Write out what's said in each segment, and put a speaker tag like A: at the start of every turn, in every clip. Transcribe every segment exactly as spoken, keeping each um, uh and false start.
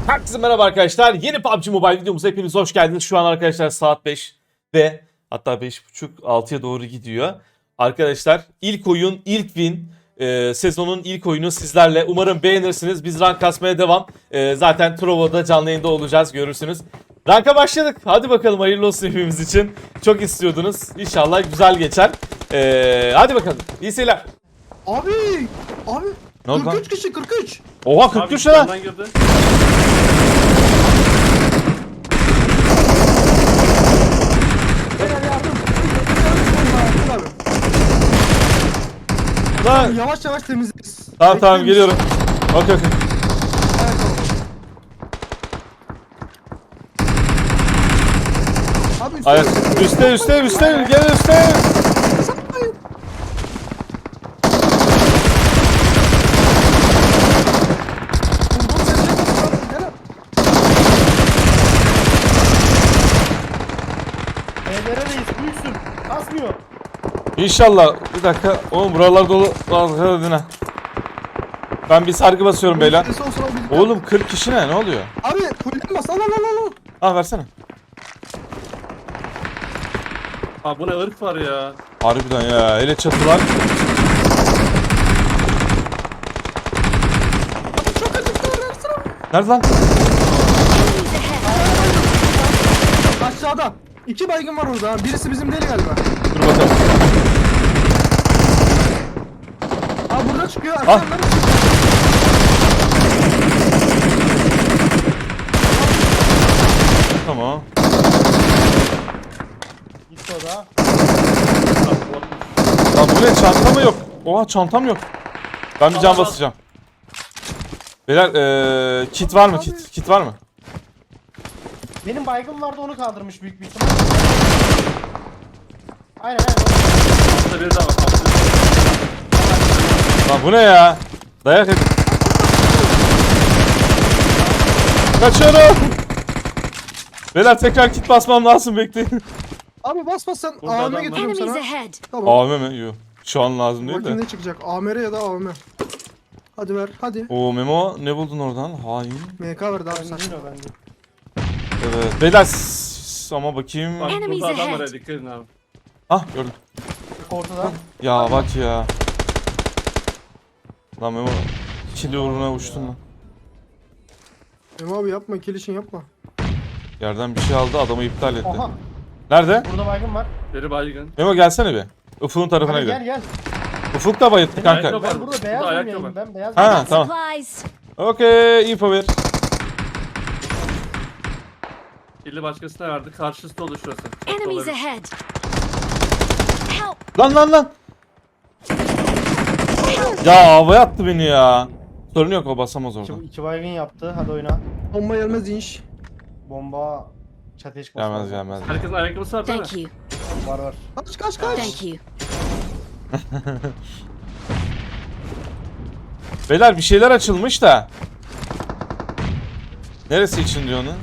A: Herkese merhaba arkadaşlar. Yeni P U B G Mobile videomuza hepiniz hoş geldiniz. Şu an arkadaşlar saat beş ve hatta beş buçuk altıya doğru gidiyor. Arkadaşlar ilk oyun, ilk win, e, sezonun ilk oyunu sizlerle. Umarım beğenirsiniz. Biz rank kasmaya devam. E, zaten Trovo'da canlı yayında olacağız, görürsünüz. Ranka başladık. Hadi bakalım, hayırlı olsun hepimiz için. Çok istiyordunuz. İnşallah güzel geçer. E, hadi bakalım. İyi seyirler.
B: Abi, abi.
A: Ne oldu lan?
B: kırk üç kişi, kırk üç.
A: Oha, kırk üç lira.
B: Beyler yardım.
A: Lan.
B: Yavaş yavaş temizleriz.
A: Tamam tamam,
B: Bekleyin.
A: geliyorum. Okey okey.
B: Evet, tamam. Abi üstte.
A: Ayak. Üste üste üste. Gel üste.
B: Sapmayın. Bundan sen ne yapıyorsun? Gel.
C: Evlere reis büyüksün. Kasmıyor.
A: İnşallah. Bir dakika. Oğlum buralar dolu. Hadi. Ben bir sargı basıyorum beyler.
B: Sesi olsun abi, birlikte.
A: Oğlum kırk kişi ne? Ne oluyor?
B: Abi fullen bas. Al al al al.
A: Ah, versene.
C: Abi bu ne ırk var ya.
A: Harbiden ya. Hele çatılar.
B: Abi çok acıktı. Versene.
A: Nerede lan?
B: Aşağıda. İki baygın var orada. ha. Birisi bizim değil galiba.
A: Dur bakalım.
B: Abi burada çıkıyor.
A: Ah.
B: Arkadan çıkıyor.
A: Tamam.
C: Gitti o da.
A: Lan bu ne? Çanta mı yok? Oha, çantam yok. Ben bir can
C: Tamam.
A: basacağım. Beyler ee, kit var mı kit? Kit var mı?
C: Benim baygın vardı, onu kaldırmış büyük bir ihtimal. Aynen aynen. Altta bir daha var.
A: Lan bu ne ya? Dayak edin. Kaçıyorum. Beyler tekrar kit basmam lazım, bekleyin.
B: Abi bas bas sen.
C: Burada
B: A V
C: adam
B: M
C: var.
B: getiriyorum
D: Enemies
B: sana.
D: ahead.
B: Tamam.
A: A V M mi? Yok. Şu an lazım değil
B: Bakayım
A: de.
B: ne çıkacak. A M R ya da A V M. Hadi ver hadi.
A: Oo Memo, ne buldun oradan? Hain.
B: M K verdi abi
C: Ben
B: sen.
C: değil o bende.
A: Evet. Beyler s- ama bakayım.
C: Bak
D: Enemies
C: burada adam
D: ahead.
C: var ya, dikkat edin abi.
A: Ah, gördüm.
C: Ortada.
A: Ya bak ya. Lan Memo, ikili uğruna uçtun lan.
B: Memo abi yapma, kilişin yapma.
A: Yerden bir şey aldı, adamı iptal etti.
C: Oha.
A: Nerede?
C: Burada baygın var. Biri baygın.
A: Memo gelsene bir. Ufuk'un tarafına
C: Hadi gel
A: gidelim.
C: gel.
A: Ufuk da bayıttı kanka.
C: ayakkabı-
D: Ben
C: Var,
D: burada
C: burada
D: beyaz
C: ayakkabı
D: mıyım?
C: var.
D: Ben beyaz
A: Ha,
D: mıyım?
A: tamam.
D: Supplies.
A: Okey, info ver.
C: Biri başkasına verdi. Karşısı dolu şurası. Çok
D: Enemies
C: olabilir.
D: ahead. Help.
A: Lan lan lan. Ya havaya attı beni ya. Sorun yok, o basamaz orada.
C: İki, iki baygın yaptı. Hadi oyna.
B: Bomba gelmez inş.
C: Bomba çatıya çıkması
A: Gelmez
C: lazım.
A: gelmez.
C: Herkesin ayakkabısı var değil mi?
D: Thank you.
C: Var var.
B: Kaç kaç kaç.
D: Thank you.
A: Beyler bir şeyler açılmış da. Neresi için diyor onu?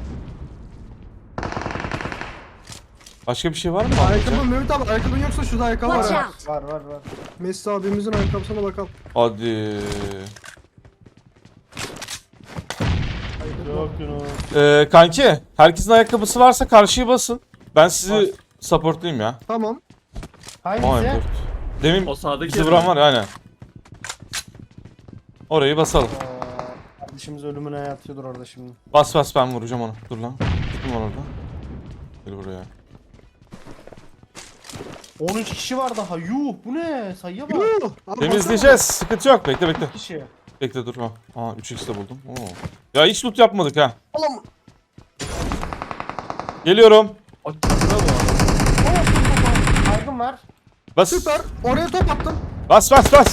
A: Başka bir şey var mı?
B: Ayakkabı Mehmet abi, ayakkabın yoksa şurada ayakkabı var.
D: Watch
B: ha.
D: out.
C: Var var var.
B: Messi abimizin ayakkabısına bakalım.
A: Hadi.
C: Yok Yunus.
A: Ee, kanki, herkesin ayakkabısı varsa karşıya basın. Ben sizi
C: Var.
A: supportlayayım ya.
B: Tamam.
A: Aynen.
C: Hangisi?
A: Demin
C: O sağdaki
A: bizi vuran var ya, aynen. Orayı basalım.
C: Ee, Kardeşimiz ölümüne yatıyordur orada şimdi.
A: Bas bas, ben vuracağım onu. Dur lan. Kim var orada? Gel buraya.
C: on üç kişi var daha. Yuh bu ne? Sayıya bak.
B: Yuh, abi
A: Temizleyeceğiz. Sıkıntı yok. Bekle bekle.
C: Kişi.
A: Bekle dur. Ha. Aa, üç x de buldum. Oo. Ya hiç loot yapmadık ha.
B: baksana. Oğlum.
A: Geliyorum.
C: O çatıda bu arada. Baygın var.
A: Bas.
B: Süper. Oraya top attım.
A: Bas bas bas.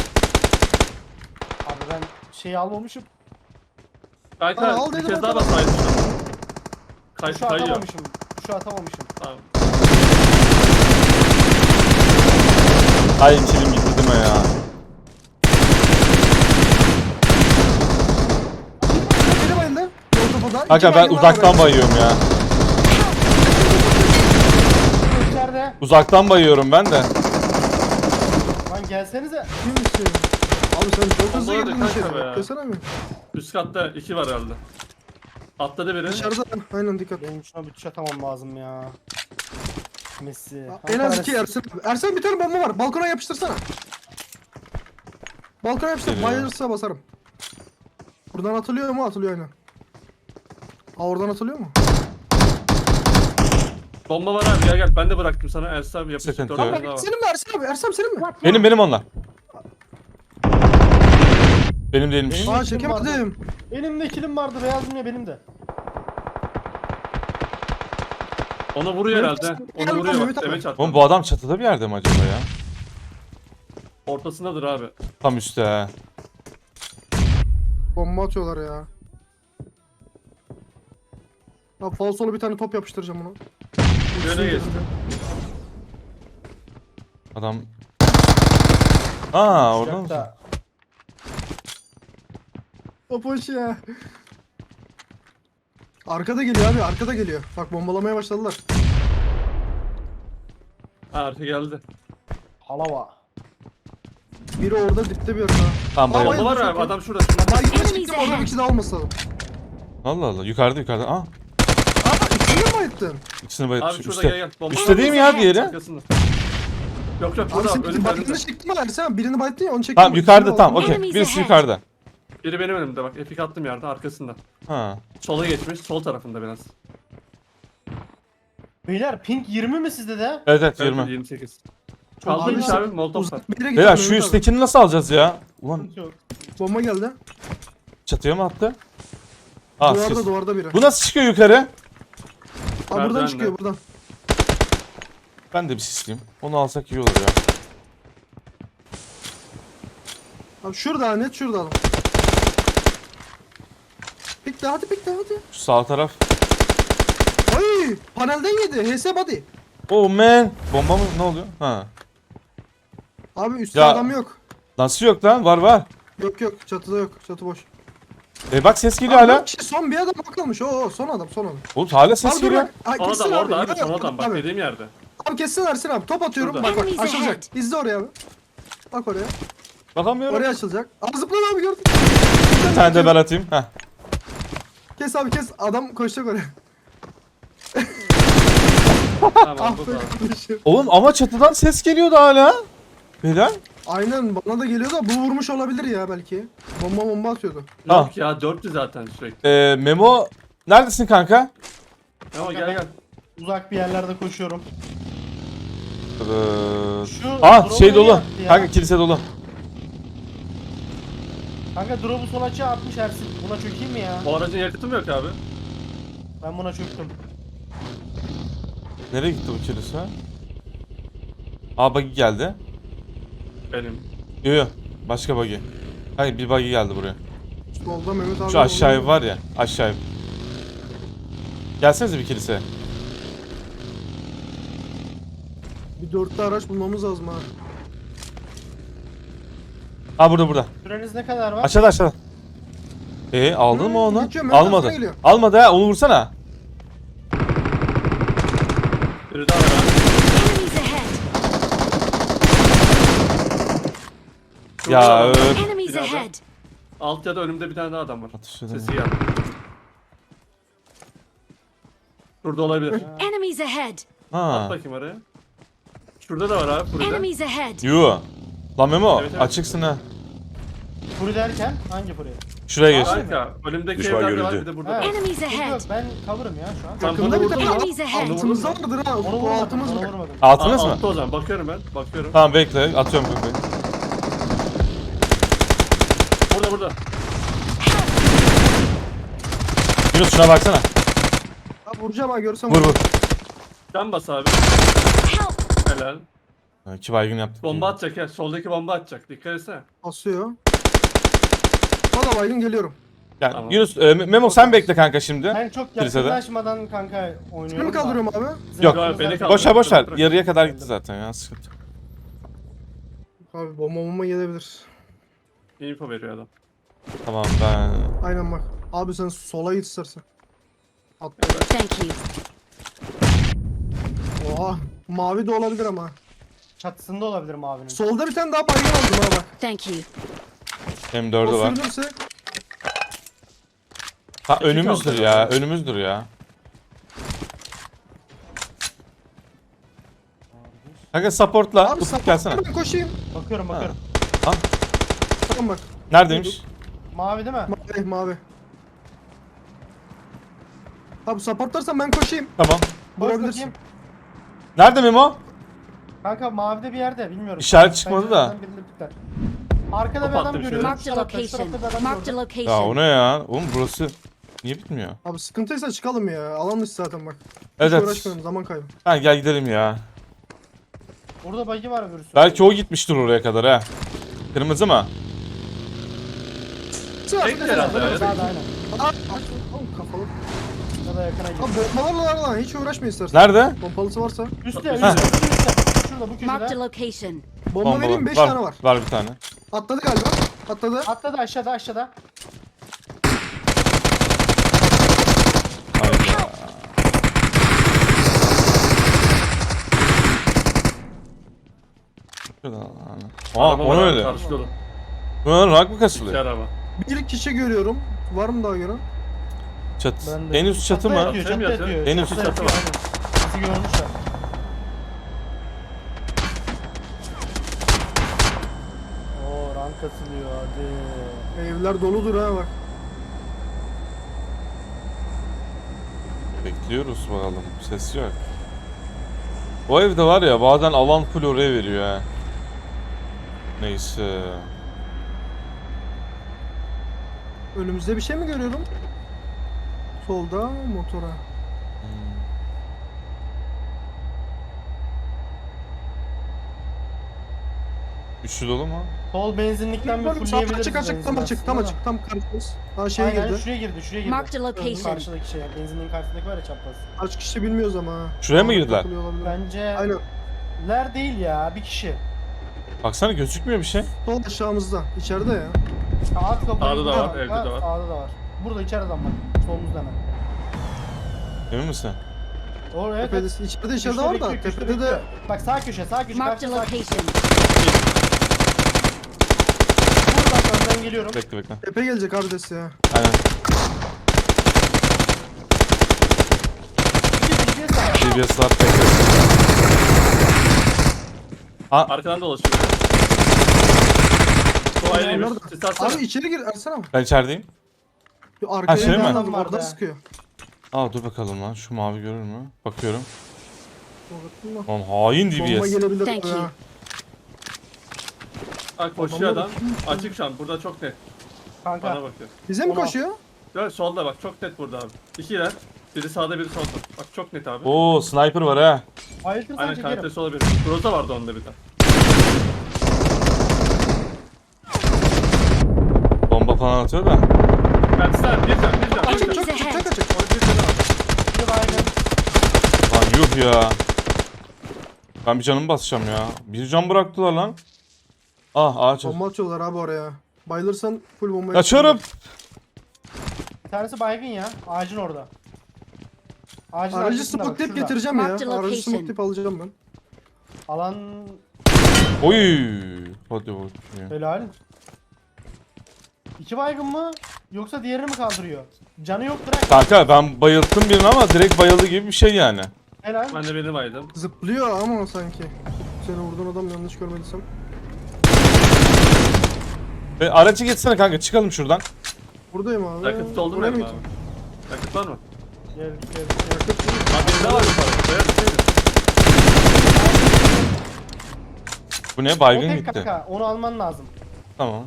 C: Abi ben şeyi almamışım.
B: Kanka,
C: Kanka
B: al
C: bir
B: dedim,
C: kez daha
B: atamam.
C: basaydın. Kay
D: Şu
C: kayıyor.
D: atamamışım. Şu atamamışım.
C: Tamam.
A: Ay kilim gitti değil mi ya?
B: Biri bayıldı. Ortada.
A: Kanka ben uzaktan bayıyorum ya.
D: İçeride.
A: Uzaktan bayıyorum ben de.
D: Lan gelsenize.
B: Kim istiyor? Abi sen çok hızlı
C: Vallahi
B: girdin
C: de
B: içeri.
C: kanka be.
B: Desene mi?
E: Üst katta iki var herhalde. Atladı biri.
B: Dışarıda. Aynen dikkat.
C: Benim şuna bütçe atamam lazım ya. Messi.
B: En az iki Ersin. Ersin bir tane bomba var. Balkona yapıştırsana. Balkona yapıştır.
A: Geliyor.
B: Bayılırsa basarım. Buradan atılıyor mu? Atılıyor aynen. Aa oradan atılıyor mu?
E: Bomba var abi, gel gel. Ben de bıraktım sana. Ersin abi yapıştır.
A: Sıkıntı
E: Dört
A: yok.
E: tane daha var.
B: Senin mi Ersin abi? Ersin abi senin mi?
A: Benim benim onlar. Benim değilmiş.
C: Benim-
B: Aa çekemedim.
C: Benim de kilim vardı. Beyazım ya benim de.
E: Ona vuruyor herhalde. Onu
B: Gel
E: vuruyor
B: Mehmet
E: bak.
B: abi.
E: Demeç attı.
A: Oğlum bu adam çatıda bir yerde mi acaba ya?
E: Ortasındadır abi.
A: Tam üstte ha.
B: Bomba atıyorlar ya. Abi falsolu bir tane top yapıştıracağım ona.
E: Yöne geçti.
A: Adam... Aa orada mı?
C: Sıcakta.
B: Top hoş ya. Arkada geliyor abi arkada geliyor. Bak bombalamaya başladılar.
E: Ha, arka geldi.
C: Halava.
B: Biri orada dipte bir yerde.
A: Tamam
B: Aa,
A: bayıldım.
E: Bomba var
B: çok
E: abi.
B: iyi.
E: Adam şurada. şurada.
B: Baygın'a
F: Enemies
B: çıktım orada
F: ahead.
B: bir kişi daha olması lazım.
A: Allah Allah yukarıda yukarıda. Aa
B: Aa ikisini mi bayıttın?
A: ikisini
E: Abi
A: bayılmış.
E: şurada
A: Üstte.
E: gel gel. Bomba
A: Üstte değil mi ya diğeri?
E: Arkasında. Yok yok
B: Abi
E: burada
B: sen
E: abi. Önümde
B: baygını
E: önümde.
B: çektin mi Ersen? Birini bayıttın ya onu çektin.
A: Tamam
B: mi?
A: yukarıda
B: İkisini
A: tamam
B: aldın.
A: okey.
F: Enemies
A: Birisi
F: ahead.
A: yukarıda.
E: Biri benim önümde bak. Epik attım yerde arkasında.
A: Ha.
E: Sola geçmiş. Sol tarafında biraz.
C: Beyler pink yirmi mi sizde de?
A: Evet evet
E: Evet,
A: yirmi.
E: yirmi sekiz. Kaldırmış
B: Abi,
E: abi. Molotov var.
B: Uzak bir yere
A: Beyler
B: gittim
A: şu
B: Mehmet abi.
A: üsttekini nasıl alacağız ya? Ulan
C: Yok.
B: Bomba geldi.
A: çatıya mı attı? Ah,
B: duvarda
A: siz-
B: duvarda biri.
A: Bu nasıl çıkıyor yukarı?
B: Abi buradan
E: Merdivenle.
B: çıkıyor buradan.
A: Ben de bir sisleyeyim. Onu alsak iyi olur ya.
B: Abi şurada net şurada adam. Pikle hadi pikle hadi.
A: Şu sağ taraf.
B: Ay panelden yedi. H S body.
A: Oh man. Bomba mı? Ne oluyor? Ha.
B: Abi üstte
A: Ya-
B: adam yok.
A: Nasıl yok lan? Var var.
B: Yok yok çatıda yok. Çatı boş.
A: E bak ses geliyor
B: Abi
A: hala.
B: dört kişi, son bir adam kalmış. Oo son adam son adam.
A: Oğlum hala ses
B: Abi dur
A: geliyor.
B: bak. Ay,
E: Son
B: kessin
E: adam orada abi.
B: Yok,
E: Son
B: yok,
E: adam. Bak
B: abi.
E: dediğim yerde.
B: Abi kessin Ersin abi. Top atıyorum.
E: Şurada.
B: Bak bak
F: Enemies
B: açılacak.
F: ahead.
B: İzle oraya abi. Bak oraya.
A: Bakamıyorum.
B: Oraya açılacak. Abi zıpla abi gördün.
A: Bir tane de ben atayım. Heh.
B: Kes abi kes. Adam koşacak oraya.
E: Tamam
B: Ah
E: bu
B: be
E: da.
B: kardeşim.
A: Oğlum ama çatıdan ses geliyordu hala. Beyler.
B: Aynen bana da geliyor da bu vurmuş olabilir ya belki. Bomba bomba atıyordu.
A: Ha.
E: Yok ya dörtlü zaten sürekli.
A: Ee, Memo neredesin kanka?
E: Ama gel gel.
C: Uzak bir yerlerde koşuyorum.
A: Ee,
C: Şu
A: ah
C: drop'u
A: şey
C: nereye
A: dolu.
C: attı ya?
A: Kanka kilise dolu.
C: Kanka drop'u sol açığa atmış Ersin. Buna çökeyim mi ya?
E: O aracın yakıtı mı yok abi?
C: Ben buna çöktüm.
A: Nereye gitti bu kilise? Aa buggy geldi.
E: Benim.
A: Yo yo. Başka buggy. Hayır bir buggy geldi buraya.
B: Solda Mehmet abi.
A: Şu aşağı ev
B: oluyor.
A: var ya. Aşağı ev. Gelsenize bir kilise.
B: Bir dörtlü araç bulmamız lazım ha.
A: Ha burada burada.
C: Süreniz ne kadar var?
A: Aşağıda aşağıda. Ee aldın
B: Hmm,
A: mı onu?
B: geçiyor, Mehmet
A: Almadı.
B: aslına geliyor.
A: Almadı ha onu vursana.
E: Biri daha var abi.
F: Enemies ahead!
E: Şurada
A: Ya
E: adam var.
A: öf.
F: Enemies
E: Binada.
F: ahead!
E: Alt ya da önümde bir tane daha adam var.
A: Atış edemiyorum.
E: Sesi geldi. Şurada olabilir.
F: Enemies ahead!
A: Ha.
E: At bakayım oraya. Şurada da var abi. Burada.
F: Enemies ahead!
A: Yo. Lan Memo
E: Evet, evet.
A: açıksın ha.
C: Furi derken hangi Furi?
A: Şuraya geç.
E: Kanka önümdeki
G: Düşman
E: evlerde var
G: görüldü.
E: bir de burada
C: Ha.
E: var.
F: Enemies
C: Yok
F: ahead!
C: yok ben cover'ım ya şu an.
E: Tam
B: Yakında
E: bunu
B: bir
E: vurdum
B: tane
E: mu?
F: Enemies ahead!
B: altımızda vardır ha.
C: Onu
B: O
C: vurmadım,
B: altımız
C: onu
B: bak.
C: vurmadım.
A: Altınız
E: Aa,
A: mı?
E: altta o zaman bakıyorum ben. Bakıyorum.
A: Tamam bekle atıyorum kanka.
E: Burada burada.
A: Yunus şuna baksana.
B: Abi vuracağım ha görsem.
A: Vur vur.
E: Can bas abi.
F: Help!
E: Helal.
A: Ha, İki baygın yaptık.
E: Bomba atacak ya. Soldaki bomba atacak. Dikkat etsene.
B: Basıyor. Valla baygın geliyorum.
A: Yani,
E: Tamam.
A: Yunus e, Memo sen bekle kanka şimdi.
C: Ben çok
A: Kilisede.
C: yakınlaşmadan kanka oynuyorum.
B: Seni mi
C: da.
B: kaldırıyorum abi?
A: Yok,
E: Yok, beni kaldır.
A: Boş ver boş ver.
E: Bırak.
A: Yarıya kadar gitti zaten ya sıkıntı.
B: Abi bomba bomba gelebilir.
E: Info veriyor adam.
A: Tamam ben...
B: Aynen bak. Abi sen sola git istersen. At.
F: Thank you.
B: Oha. Mavi de olabilir ama.
C: Çatısında olabilir mavinin.
B: Solda bir tane daha baygın aldım ha bak.
F: Thank you.
A: M dördü
B: O
A: var.
B: sürünürse.
A: Ha
E: İki
A: önümüzdür
E: kaldı
A: ya.
E: herhalde.
A: Önümüzdür ya. Kanka supportla.
B: Abi
A: Ufuk
B: sapık
A: gelsene.
B: ben koşayım.
C: Bakıyorum bakıyorum.
A: Ha,
B: Tamam bak.
A: neredeymiş?
C: Mavi değil mi?
B: Mavi mavi. Abi supportlarsan ben koşayım.
A: Tamam.
C: Boş
B: Vurabilirsin.
C: bakayım.
A: Nerede Memo?
C: Kanka mavide bir yerde bilmiyorum.
A: İşaret çıkmadı da.
C: Pencereden birileri pikler. Arkada bir
E: Top
C: adam
E: attım
C: görüyorum.
F: Marked a
C: Şu tarafta, şu tarafta bir
F: location.
C: adam
F: Marked a
C: gördüm.
A: Ya o
F: location.
A: ne ya? Oğlum burası niye bitmiyor?
B: Abi sıkıntıysa çıkalım ya. Alan dışı zaten bak. Hiç
A: Evet, evet.
B: uğraşmayalım zaman kaybı.
A: Ha gel gidelim ya.
C: Burada bagi var öbürsü.
A: Belki o gitmiştir oraya kadar ha. Kırmızı mı?
E: Tek herhalde öyle.
C: Sağda aynen.
B: Aa, oğlum kafalı.
C: Ya da yakına
B: Abi
C: gidiyor.
B: bombalarla lan hiç uğraşma istersen.
A: Nerede?
B: Pompalısı varsa.
C: Üstte
E: Ha.
C: üstte üstte. Şurada bu
F: Marked a
C: köşede.
F: location.
B: Bomba
A: Bomba
B: vereyim beş
A: var.
B: tane var.
A: Var bir tane.
B: Atladı galiba. Atladı.
C: Atladı aşağıda aşağıda.
A: Hayda. Şurada lan. Aa
E: Araba
A: o
E: var
A: ne
E: abi,
A: öyle?
E: karşı dolu.
A: Bunlar rak mı
E: İki
A: kasılıyor?
E: araba.
B: Bir kişi görüyorum. Var mı daha gören?
A: Çat.
C: Ben de-
A: En üst çatı
C: Çatıda
A: mı?
C: yatıyor,
E: Çatıya mı
C: çatıda
E: yatıyor?
C: yatıyor.
A: En üst
C: Çatıda
E: çatı
C: yatıyor, aynen. Bizi görmüşler. Oo rank atılıyor hadi.
B: Evler doludur ha bak.
A: Bekliyoruz bakalım. Ses yok. O evde var ya bazen alan full oraya veriyor ha. Neyse.
B: Önümüzde bir şey mi görüyorum? Solda motora.
A: Üçlü dolu mu?
C: Sol benzinlikten bir
B: Sağ
C: fullleyebiliriz.
B: açık açık tam
C: benzin
B: açık tam
C: aslında
B: açık tam karşımız. Daha
C: da.
B: şeye
C: Aynen,
B: girdi.
C: şuraya girdi şuraya girdi.
F: Marked a location.
C: Karşıdaki şey benzinliğin karşısındaki var ya çapraz.
B: Kaç kişi bilmiyoruz ama ha.
A: Şuraya mı girdiler?
B: Takılıyor olabilir.
C: Bence
B: Aynen.
C: ler değil ya bir kişi.
A: Baksana gözükmüyor bir şey.
B: Sol aşağımızda. İçeride ya.
C: Alt kapıyı
E: Sağda da var,
C: burada,
E: evde de var.
C: Sağda da var. Burada içeriden bak. Solumuzda hemen.
A: Emin misin?
C: O evet.
B: Tepede,
C: evet.
B: içeride içeride
C: Köşede
B: var da
C: bekliyor, köşede
B: tepede de
C: bekliyor. Bak sağ köşe sağ köşe
F: Marked
C: karşı
F: a
C: sağ köşe.
F: location.
C: Buradan önden geliyorum.
A: Bekle bekle.
B: tepe gelecek abi desi ya.
A: Aynen.
C: Bir de sağ.
A: D B S var bekle.
E: Arkadan dolaşıyor. O ayrıymış.
B: Onlar da-
E: Siz atsana.
B: Abi içeri gir Ersan abi.
A: Ben içerideyim.
B: Yo, Arkaya
A: şey mi?
B: bir adam
C: Adam vardı
B: orada
C: ya.
B: sıkıyor.
A: Aa dur bakalım lan. Şu mavi görür mü? Bakıyorum.
B: Bomba
A: Lan hain D B S.
B: gelebilir.
F: Thank you.
B: Ha.
E: Bak koşuyor adam.
B: Bomba-
E: Açık şu an. Burada çok net.
C: Kanka.
E: Bana bakıyor.
B: Bize mi
C: Ona-
B: koşuyor?
E: Gör solda bak. Çok net burada abi. İkiler. Biri sağda biri solda. Bak çok net abi.
A: Oo sniper var ha.
C: Ayıltırsan
E: Aynen
C: çekerim.
E: kalitesi olabilir. Groza vardı onda bir de.
A: Bomba falan atıyor da.
E: Kendisinden bir can bir can.
B: Açık
F: Enemies
B: çok açık
F: ahead.
B: çok açık.
E: Orada bir canı var.
C: Bir baygın.
A: Lan yuh ya. Ben bir canımı basacağım ya. Bir can bıraktılar lan. Ah ağaç.
B: Bomba atıyorlar abi oraya. Bayılırsan full bomba
A: Kaçıyorum.
C: Bir tanesi baygın ya. Ağacın orada. Ağacın
B: Aracı
C: arkasında bak,
B: smokelayıp
C: şurada.
B: getireceğim ya.
F: Marked
B: Aracı
F: location.
B: smokelayıp alacağım ben.
C: Alan
A: Oy. Hadi bakayım.
C: helal. İki baygın mı? Yoksa diğerini mi kaldırıyor? Canı yok direkt.
A: Kanka ben bayılttım birini ama direkt bayıldı gibi bir şey yani.
C: Helal.
E: Ben de benim aydım.
B: Zıplıyor ama sanki. Seni vurduğun adam yanlış görmediysem.
A: E, aracı geçsene kanka çıkalım şuradan.
B: Buradayım abi.
E: Yakıt doldu mu
B: Buraya
E: benim
B: mı
E: abi?
B: gittin?
E: Yakıt var mı?
C: Gel gel.
B: Yakıt değil.
E: Abi birinde var yukarı. Beyaz bir şeydi.
A: Bu ne
C: O
A: baygın
C: tek
A: gitti.
C: kanka. Onu alman lazım.
A: Tamam.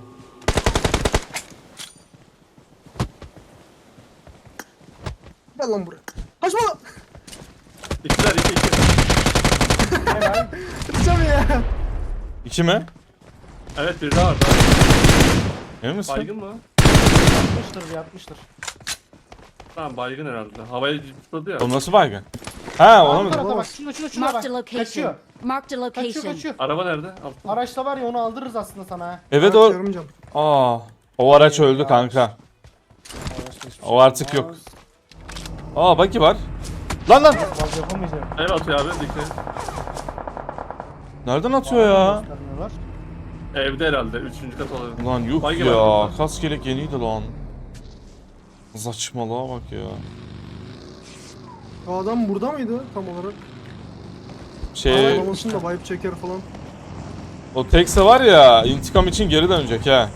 B: Gel lan buraya. Kaçma lan.
E: İkiler iki iki.
C: Helal.
B: Kaçacağım ya.
A: İki mi?
E: Evet bir daha var. Daha.
A: Emin misin?
E: Baygın mı?
C: Yatmıştır yatmıştır.
E: Tamam baygın herhalde. Havaya tutladı ya.
A: O nasıl baygın? Ha ona
C: Bu
A: mı?
C: tarafa bak. Şuna şuna şuna bak.
F: Marked a
C: Kaçıyor.
F: location. Marked a
C: Kaçıyor
F: location.
C: kaçıyor.
E: Araba nerede? Altta.
C: Araçta var ya onu aldırırız aslında sana ha.
A: Evet
B: Araç
A: o.
B: yarım can.
A: Aa. O araç öldü kanka.
C: Araçta hiçbir
A: O
C: şey
A: artık yok.
C: olmaz.
A: Aa baki var. Lan lan.
C: Vaz yapamayacağım.
E: Ev atıyor abi. Dikkat.
A: Nereden atıyor ya?
C: Göstermiyorlar.
E: Evde herhalde. Üçüncü kat olabilir.
A: Lan yuh
E: Baygın var
A: ya.
E: burada.
A: Kas gelek yeniydi lan. Saçmalığa bak ya.
B: O adam burada mıydı tam olarak?
A: Şey,
B: Ağlamasın da vibe çeker falan.
A: o Tekse var ya, intikam için geri dönecek ha.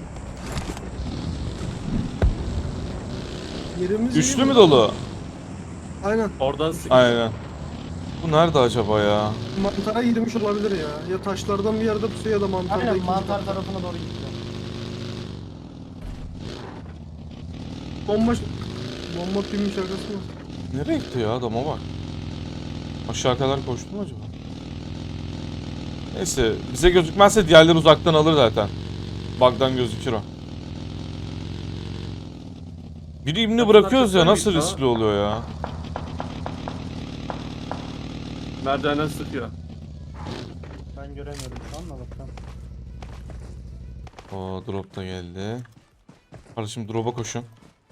B: Yerimiz
A: Üçlü
B: iyi
A: mü
B: mi?
A: dolu?
B: Aynen.
E: Oradan sık.
A: Aynen. Bu nerede acaba ya?
B: Mantara girmiş olabilir ya. Ya taşlardan bir yerde pusuyor ya da mantarda
C: Aynen
B: ikinci
C: mantar
B: kat.
C: tarafına doğru gitti.
B: Bomba... Bomba filmi şakası mı?
A: Nereye gitti ya adama bak. Aşağı kadar koştu mu acaba? Neyse, bize gözükmezse diğerleri uzaktan alır zaten. Bug'dan gözükür o. Biri imni bırakıyoruz ya, nasıl riskli oluyor ya?
E: Merdivenden sıkıyor.
C: Ben göremiyorum şu an da bakalım.
A: Oo, drop da geldi. Kardeşim drop'a koşun.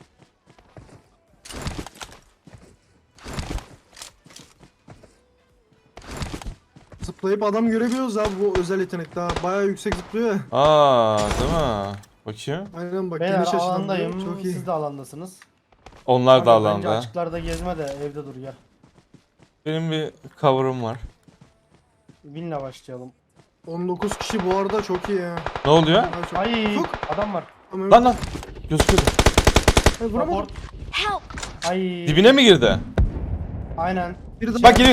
B: Zıplayıp adam görebiliyoruz abi bu özel yetenek daha. Bayağı yüksek zıplıyor ya.
A: Aa, değil mi? Bakayım.
B: Aynen bak
C: Beyler
B: geniş açıdan
C: alandayım.
B: vuruyor, çok iyi.
C: Siz de alandasınız.
A: Onlar da
C: Kanka, bence
A: alanda.
C: açıklarda gezme de evde dur gel.
A: Benim bir cover'ım var.
C: Win'le başlayalım.
B: on dokuz kişi bu arada çok iyi ya.
A: Ne oluyor?
B: Ay, çok...
C: Ay
B: Ufuk.
C: adam var.
B: Tamam.
A: Lan lan. Gözüküyordu.
B: Ay, vuramadım.
C: Support.
F: Help!
C: Ay.
A: Dibine mi girdi?
C: Aynen.
B: Biri de
A: Bak geliyor.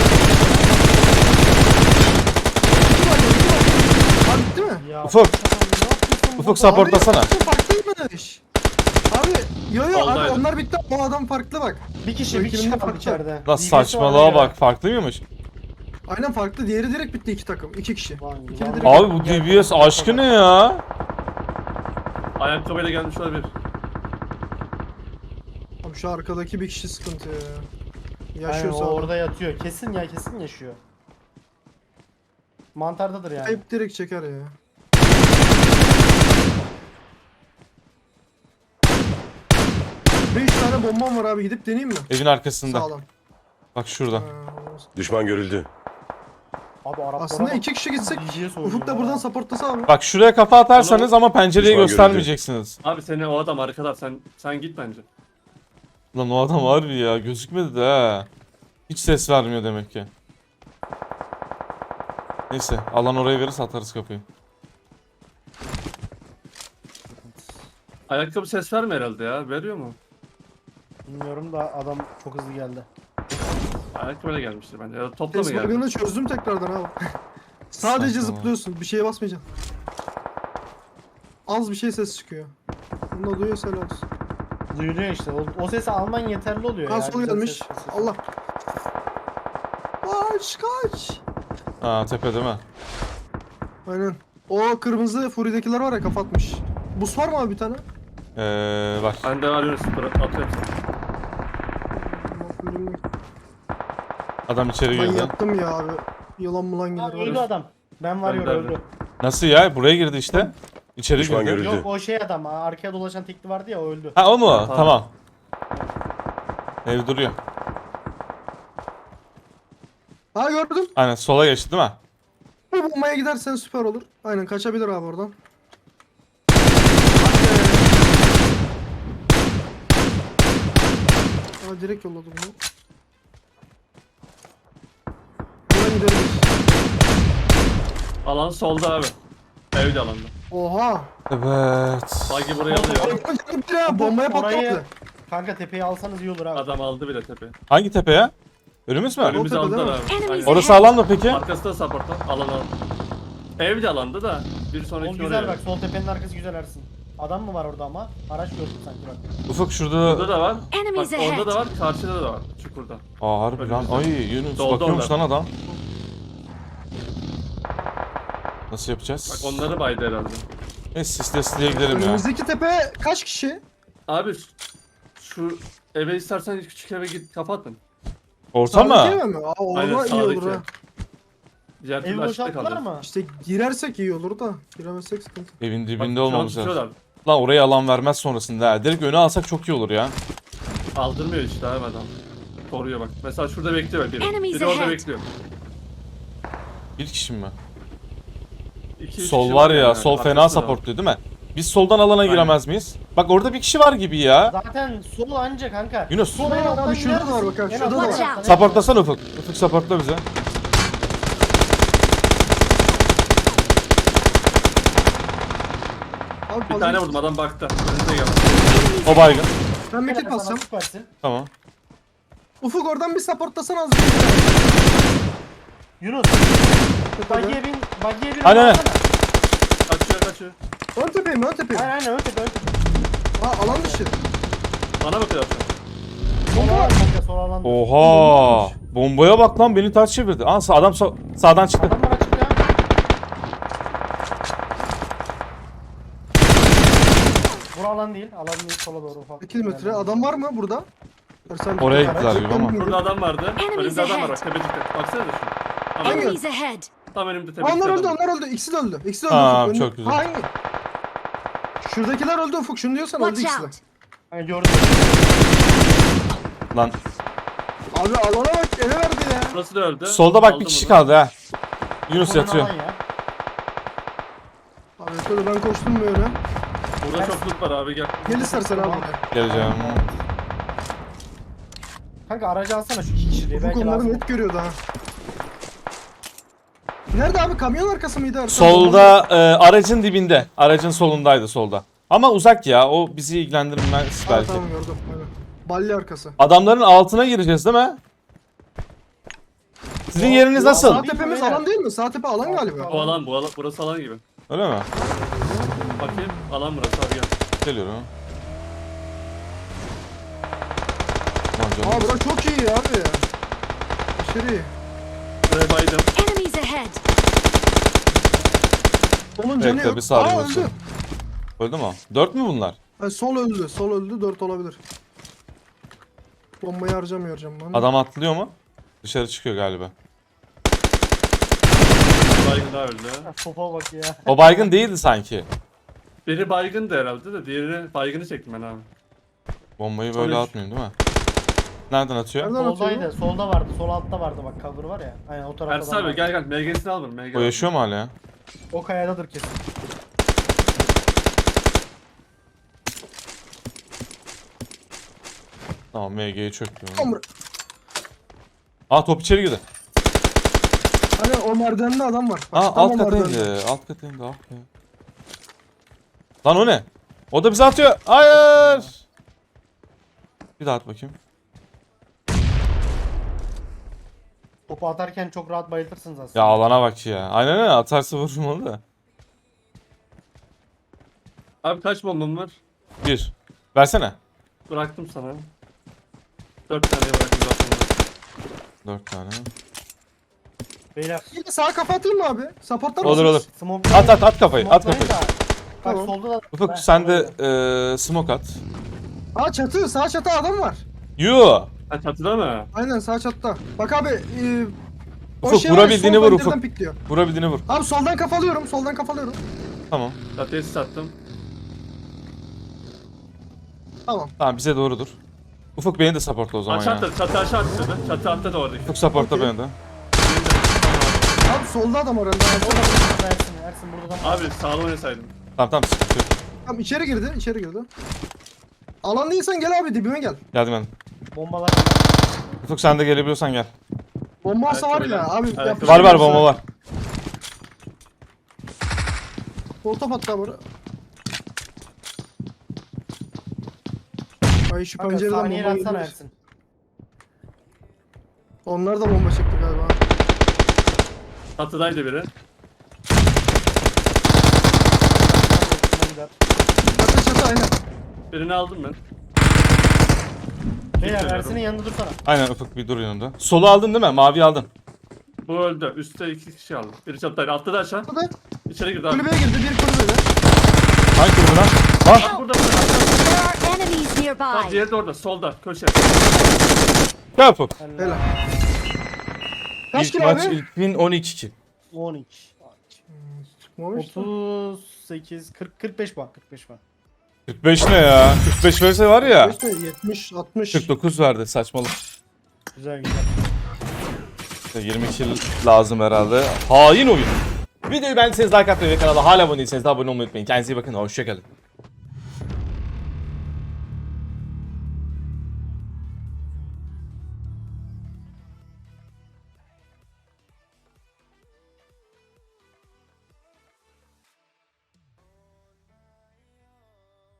B: Abi bitti mi?
C: Ya,
A: Ufuk.
C: ne yapıyorsun
A: Ufuk
C: burada?
A: supportlasana.
B: Abi farklıymış. Abi yo yo abi
E: Oldaydı.
B: onlar bitti. O adam farklı bak.
C: Bir kişi bir kişi
B: Rakibinde
C: kaldı
B: farklı.
C: içeride.
A: Lan
C: D B S var
A: saçmalığa
C: ya.
A: bak, farklı mıymış?
B: Aynen farklı. Diğeri direkt bitti iki takım. iki kişi.
C: Lan,
B: İkili
C: lan.
B: direkt.
A: Abi bu D B S aşkı ne ya?
E: Ayakkabıyla gelmiş olabilir.
B: Abi şu arkadaki bir kişi sıkıntı ya.
C: Aynen,
B: Yaşıyorsa
C: o
B: adam.
C: orada yatıyor. Kesin ya kesin yaşıyor. Mantardadır yani.
B: Hep direkt çeker ya. Beş tane bombam var abi gidip deneyeyim mi?
A: Evin arkasında.
B: Sağlam.
A: Bak şurada.
B: Ha, olmaz.
G: Düşman görüldü.
C: Abi Arap
B: Aslında iki kişi gitsek Ufuk da buradan supportlasa abi.
A: Bak şuraya kafa atarsanız ama pencereyi
G: Düşman
A: göstermeyeceksiniz.
E: Abi seni o adam arkada. Sen sen git bence.
A: Lan o adam harbi ya, gözükmedi de ha. Hiç ses vermiyor demek ki. Neyse, alan oraya verirse atarız kapıyı.
E: Ayakkabı ses verme herhalde ya. Veriyor mu?
C: Bilmiyorum da adam çok hızlı geldi.
E: Ayakkabıyla gelmiştir bence. Ya da topla mı
B: Ses
E: geldi?
B: bug'ını çözdüm tekrardan abi. Sadece
A: Saçma.
B: zıplıyorsun. Bir şeye basmayacaksın. Az bir şey ses çıkıyor. Bunu da duyuyorsa helal olsun.
C: Duyuluyor işte. O, o sesi alman yeterli oluyor ya.
B: Ha sol
C: Güzel
B: gelmiş.
C: ses- ses-
B: Allah. Kaç kaç.
A: Ha, tepe değil mi?
B: Aynen. O kırmızı Fury'dekiler var ya kapatmış. Bus var mı abi bir tane?
A: Ee, bak.
E: Ben de arıyorum sıfır. Atıyorum sana.
A: Adam içeri
B: Ben
A: girdi.
B: yattım ya abi. Yılan mulan
C: Aa,
B: gelir.
C: öldü
B: var ya.
C: adam. Ben varıyorum
E: Ben de
C: öldü.
A: Nasıl ya? Buraya girdi işte. İçeri
G: Düşman
A: girdi.
G: görüldü.
C: Yok o şey adam. ha, Arkaya dolaşan tekli vardı ya o öldü.
A: Ha, o mu?
E: Tamam.
A: Tamam. Ev duruyor.
B: Ha gördüm.
A: Aynen, sola geçti değil mi?
B: Bu bombaya gidersen süper olur. Aynen kaçabilir abi oradan. Aa direkt yolladı bunu. Buradan gidebiliriz.
E: Alan solda abi. Evde alanda.
B: Oha.
A: Evet.
E: Bagi buraya alıyor.
B: Ya, bombaya
C: Orayı-
B: patlattı.
C: Kanka tepeyi alsanız iyi olur abi.
E: Adam aldı bile tepe.
A: Hangi tepe ya? Önümüz mü?
E: Önümüzü
B: tepe
E: aldılar
B: değil mi?
E: abi.
F: Enemies
E: Aynen.
A: Orası alan mı peki?
E: Arkası da support'ta. Alan alan. Evde alanda da bir
C: O
E: sonraki
C: güzel
E: oraya.
C: bak sol tepenin arkası güzel Ersin. Adam mı var orada ama? Araç gördüm sanki bak.
A: Ufuk şurada.
E: Burada da var. Bak
F: Enemies ahead.
E: orada da var. Karşıda da var. Çukurda.
A: Aa, harbi lan. Ay Yunus,
E: Doldu
A: bakıyormuş
E: onlar.
A: lan adam. Nasıl yapacağız?
E: Bak onları baydı herhalde.
A: Neyse sisle sisle gidelim ya.
B: Önümüzdeki tepe kaç kişi?
E: Abi şu eve istersen küçük eve git kapatın.
A: Orta mı?
B: Sağdaki eve mi? Aa
E: Aynen,
B: orada iyi
E: sağdaki.
B: olur ha.
E: Diğer
C: Evi
E: türlü açıkta
C: boşalttılar
E: kalır.
C: mı?
B: İşte girersek iyi olur da giremezsek sıkıntı.
A: Evin
E: Bak,
A: dibinde
E: şu an
A: olmamız lazım.
E: tutuyorlar.
A: Lan oraya alan vermez sonrasında ha. Direkt öne alsak çok iyi olur ya.
E: Aldırmıyor işte abi adam. Koruyor bak. Mesela şurada bekliyor biri.
F: Enemies
E: Biri orada
F: ahead.
E: bekliyor.
A: Bir kişi mi?
E: İki, üç
A: Sol
E: kişi
A: var ya,
E: yani
A: sol fena
E: arkasında var.
A: supportluyor değil mi? Biz soldan alana giremez miyiz? Bak orada bir kişi var gibi ya.
C: Zaten sol anca kanka.
A: Yunus.
C: Sol en alttan
B: Abi şurada da var
C: girersin.
B: bak ha,
C: En
B: şurada da
C: alttan
F: var.
C: girersin.
A: Supportlasana Ufuk. Ufuk supportla bize.
B: Abi
E: Bir
B: fazla
E: tane
B: git.
E: vurdum adam baktı. Önünde geldi.
A: O baygın.
B: Ben bir
C: Gel
B: kit
C: sana
B: bassam.
C: süpersin.
A: Tamam.
B: Ufuk oradan bir supportlasana az.
C: Yunus. Bagiye bin. Bagiye bin.
A: Aynen, aynen.
C: alsana.
E: Kaçıyor kaçıyor.
B: Ön tepeyim ön tepeyim.
C: Aynen aynen ön tepe ön tepe.
B: Ha alan dışı.
E: Bana bakıyor zaten.
C: Sol alan kanka sol alan.
A: Oha. Bombaya bak lan beni ters çevirdi. Aa sağ- adam sağ- sağdan çıktı.
C: Adamlar açık ya. Bura alan değil. Alan değil sola doğru ufak.
B: iki kilometre. Adam var mı burada? Sen
A: Oraya
B: bir-
A: gittiler gibi ama.
E: Burada adam vardı.
F: Enemies
E: Önümde adam var
F: ahead.
E: bak tepecikte. Baksana da şu. Tam,
B: Hangi?
F: Enemies ahead.
E: tam önümde
B: Aa,
E: tepecikte
B: onlar öldü
E: adam.
B: onlar öldü. İkisi de öldü. İkisi de öldü.
A: Aa,
B: Ufuk. Önü-
A: çok güzel.
B: Ha, hangi? Şuradakiler öldü Ufuk. Şunu diyorsan öldü
F: Watch
B: ikisi de.
F: out.
C: Yani gördüm.
A: Lan
B: Abi alana bak eve verdi ya.
E: Burası da öldü.
A: solda bak bir
E: Aldım
A: kişi
E: bunu.
A: kaldı ha. Yunus
C: Konum
A: yatıyor.
C: alan ya.
B: Abi şöyle ben koştum böyle.
E: Burada çok loot var abi gel.
B: Gel istersen abi buraya.
A: Geleceğim.
C: Kanka aracı alsana şu iki kişiliği.
B: Ufuk
C: Belki
B: onları
C: lazım.
B: net görüyordu ha. Nerede abi? Kamyon arkası mıydı? Erkan?
A: Solda e, aracın dibinde. Aracın solundaydı solda. Ama uzak ya. O bizi ilgilendirmez
B: Ha,
A: belki.
B: tamam gördüm. Aynen. Balya arkası.
A: Adamların altına gireceğiz değil mi? Sizin yeriniz
B: Sağ
A: nasıl?
B: tepemiz alan değil mi? Sağ tepe alan galiba.
E: Bu alan bu alan burası alan gibi.
A: Öyle mi?
E: Bakayım alan burası abi gel.
A: Geliyorum. Lan canım.
B: Aa bura çok iyi abi ya. Aşırı iyi.
E: Buraya baydım.
F: Enemies ahead.
B: Onun canı
A: Bekle,
B: yok.
A: bir saniye
B: Aa
A: olsun.
B: öldü.
A: Öldü mü? Dört mü bunlar?
B: Ha, sol öldü. Sol öldü. Dört olabilir. Bombayı harcamıyorum ben.
A: Adam atlıyor mu? Dışarı çıkıyor galiba.
E: Baygın daha öldü.
C: Sopa bak ya.
A: O baygın değildi sanki.
E: Biri baygındı herhalde de diğerini baygını çektim ben abi.
A: Bombayı böyle
E: Sonuç.
A: atmayayım değil mi? Nereden atıyor?
B: Nereden atıyor?
C: Soldaydı. Solda vardı. Sol altta vardı bak cover var ya. Aynen o tarafta.
E: Ersin
C: adam
E: abi
C: vardı.
E: gel gel M G'sini al bunu M G.
A: O yaşıyor mu hala ya?
C: O kayadadır kesin.
A: Tamam M G'yi çöktü.
B: Tamam.
A: Aa top içeri girdi.
B: Hani o merdivende adam var. Bak,
A: Aa
B: tam
A: alt
B: o
A: kata
B: merdivende.
A: indi. Alt kata indi. Ah be. Lan o ne? O da bize atıyor. Hayır. Bir daha at bakayım.
C: Topu atarken çok rahat bayıltırsınız aslında.
A: Ya alana bak ya. Aynen öyle atarsa vurmalı da.
E: Abi kaç bombam var?
A: Bir. Versene.
E: Bıraktım sana. Dört tane bıraktım zaten.
A: Dört tane.
C: Beyler.
B: Yine sağa kafa atayım mı abi? Supportlar
A: Olur olur.
B: mısınız?
C: Smoke
A: At at at kafayı. At
C: Smoke'layın
A: kafayı.
C: da. Bak
B: Tamam.
C: solda da.
A: Ufuk
C: Heh,
A: sen de
C: orada.
A: eee smoke at.
B: Aa çatı. Sağ çatı adam var.
A: Yoo.
E: Ha çatıda mı?
B: Aynen sağ çatıda. Bak abi. E, o
A: Ufuk,
B: şey var,
A: vurabildiğini
B: sol
A: vur
B: pencereden
A: Ufuk.
B: pikliyor.
A: Vurabildiğini vur.
B: Abi soldan kafalıyorum. Soldan kafalıyorum.
A: Tamam.
E: Çatıya sis attım.
B: Tamam.
A: Tamam bize doğrudur. Ufuk beni de supportla o zaman
E: Aşağı
A: ya.
E: attı. Çatı aşağı attı. Çatı attı da oradaki.
A: Ufuk supportla
B: Okey.
A: beni de.
B: Abi solda adam var. herhalde.
C: Orada Ersin. Ersin burada da.
E: Abi sağlam oynasaydım.
A: Tamam tamam sıkıntı yok.
B: Tamam içeri girdi. içeri girdi. Alan değilsen gel abi dibime gel.
A: Geldim ben.
C: Bombalar.
A: Ufuk sen de gelebiliyorsan gel.
B: Bomba olsa var ya
E: Ayakkabıyla-
B: abi.
E: ayakkabıyla-
B: yapacak
A: Var var
B: bir şey
A: bomba
B: yok.
A: var.
B: Volta hatta burada. Ay şu
C: Kanka
B: pencereden
C: saniye
B: bomba
C: atsana
B: geliyor.
C: Ersin.
B: Onlar da bomba çekti galiba.
E: Çatıdaydı biri.
C: Gider.
B: Çatı çatı aynen.
E: Birini aldım ben.
C: Beyler
E: Bilmiyorum.
C: Ersin'in yanında dursana.
A: Aynen Ufuk bir dur yanında. Solu aldın değil mi? Mavi aldın.
E: Bu öldü. Üstte iki kişi aldı. Biri çatıdaydı. Altta da aşağı.
B: Burada
E: İçeri girdi abi.
B: kulübeye girdi. Bir kulübede.
A: Hangi kulübe lan? Lan!
E: Burada burada.
F: There are enemies
E: Bak
F: nearby.
E: diğeri de orada. Solda. Köşe.
A: Gel Ufuk.
B: Helal. Kaç
A: İlk
B: kilo
A: maç
B: abi?
A: ilk win on iki kill.
C: on iki.
B: Çıkmamış.
C: otuz sekiz, kırk, kırk beş puan. kırk beş puan.
A: kırk beş ne ya? kırk beş verse var ya.
B: İşte yetmiş altmış.
A: kırk dokuz verdi saçmalık.
C: Güzel güzel.
A: İşte yirmi kill lazım herhalde. Hain oyun. Videoyu beğendiyseniz like atmayı ve kanala hala abone değilseniz de abone olmayı unutmayın. Kendinize iyi bakın. Hoşçakalın.